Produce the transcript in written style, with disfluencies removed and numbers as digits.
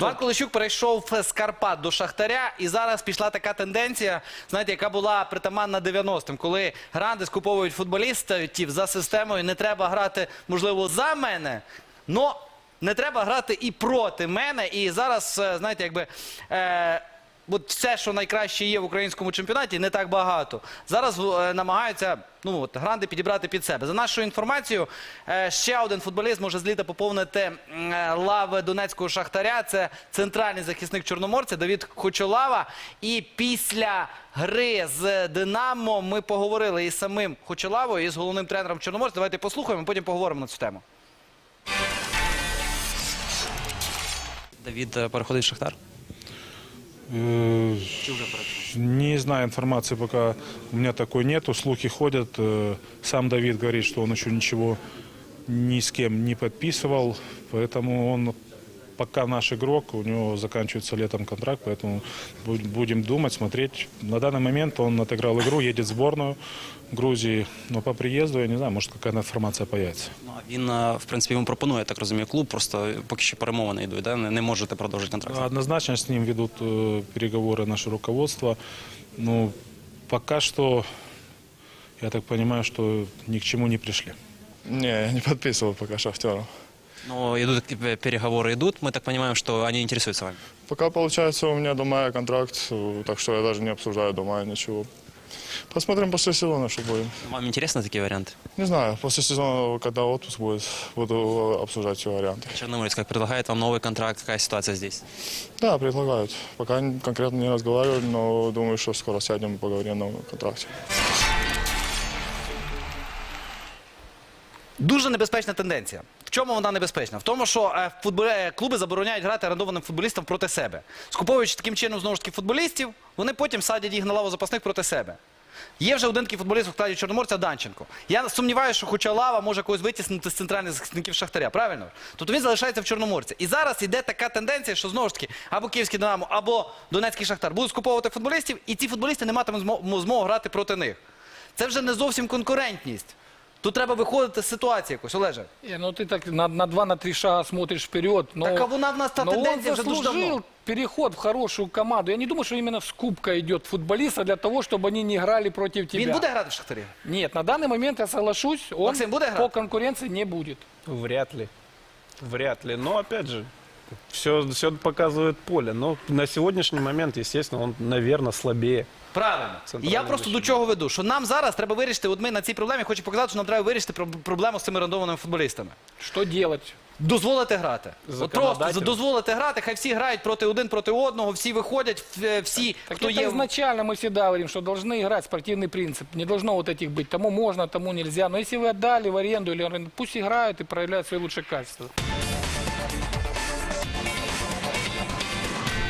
Іван Кулищук перейшов з Карпат до Шахтаря, і зараз пішла така тенденція, знаєте, яка була притаманна 90-м, коли гранди скуповують футболістів за системою «не треба грати, можливо, за мене, но не треба грати і проти мене». І зараз, знаєте, якби... От все, що найкраще є в українському чемпіонаті, не так багато. Зараз намагаються гранди підібрати під себе. За нашою інформацією, ще один футболіст може з літа поповнити лави донецького Шахтаря. Це центральний захисник Чорноморця Давид Хочолава. І після гри з Динамо ми поговорили із самим Хочолавою, і з головним тренером Чорноморця. Давайте послухаємо, потім поговоримо на цю тему. Давид переходить в Шахтар? Не знаю, информации пока у меня такой нету, слухи ходят. Сам Давид говорит, что он еще ничего ни с кем не подписывал, поэтому он пока наш игрок, у него заканчивается летом контракт, поэтому будем думать, смотреть. На данный момент он отыграл игру, едет в сборную Грузии, но по приезду, я не знаю, может какая-то информация появится. Ну, він, в принципі, йому пропонує, я так розумію, клуб, просто поки що перемовини йдуть, да? Не можете продовжити контракт? Однозначно с ним ведут переговоры наше руководство. Ну, пока что, я так понимаю, что ни к чему не пришли. Не, я не подписывал пока Шахтеру. Но идут переговоры, мы так понимаем, что они интересуются вами. Пока получается у меня до мая контракт, так что я даже не обсуждаю до мая ничего. Посмотрим после сезона, что будет. Вам интересны такие варианты? Не знаю, после сезона, когда отпуск будет, буду обсуждать все варианты. Черноморец как предлагает вам новый контракт, какая ситуация здесь? Да, предлагают. Пока конкретно не разговаривали, но думаю, что скоро сядем и поговорим о новом контракте. Дуже небезпечна тенденція. В чому вона небезпечна? В тому, що клуби забороняють грати орендованим футболістам проти себе. Скуповуючи таким чином, знову ж таки, футболістів, вони потім садять їх на лаву запасних проти себе. Є вже один такий футболіст у складі Чорноморця Данченко. Я сумніваюся, що хоча лава може когось витіснити з центральних захисників Шахтаря, правильно? Тобто він залишається в Чорноморці. І зараз йде така тенденція, що знову ж таки або Київський Динамо, або Донецький Шахтар будуть скуповувати футболістів, і ці футболісти не матимуть змогу грати проти них. Це вже не зовсім конкурентність. Тут треба виходити з ситуації якось, Олеже. Ну ты так на 2-3 шага смотришь вперед. Но, Так а вона в нас та но он тенденція вже дуже давно. заслужил переход в хорошую команду. Я не думаю, что именно скупка идет футболиста для того, чтобы они не играли против тебя. Він буде грати в Шахтарі? Нет, на данный момент я соглашусь, он Максим, буде по грати? конкуренции не будет. Вряд ли. Вряд ли. Но, опять же, все показывает поле. Но на сегодняшний момент, естественно, он, наверное, слабее. Правильно. І я просто до чого веду, що нам зараз треба вирішити, от ми на цій проблемі хочу показати, що нам треба вирішити проблему з цими рандомними футболістами. Что делать? Дозволити грати. От просто Законодательно. дозволити грати, хай всі грають один проти одного, всі виходять, всі, Так хто это є... изначально мы всегда говорим, что должны играть спортивный принцип. Не должно вот этих быть. Тому можно, тому нельзя. Но если вы отдали в аренду, или пусть играют и проявляют свои лучшие качества.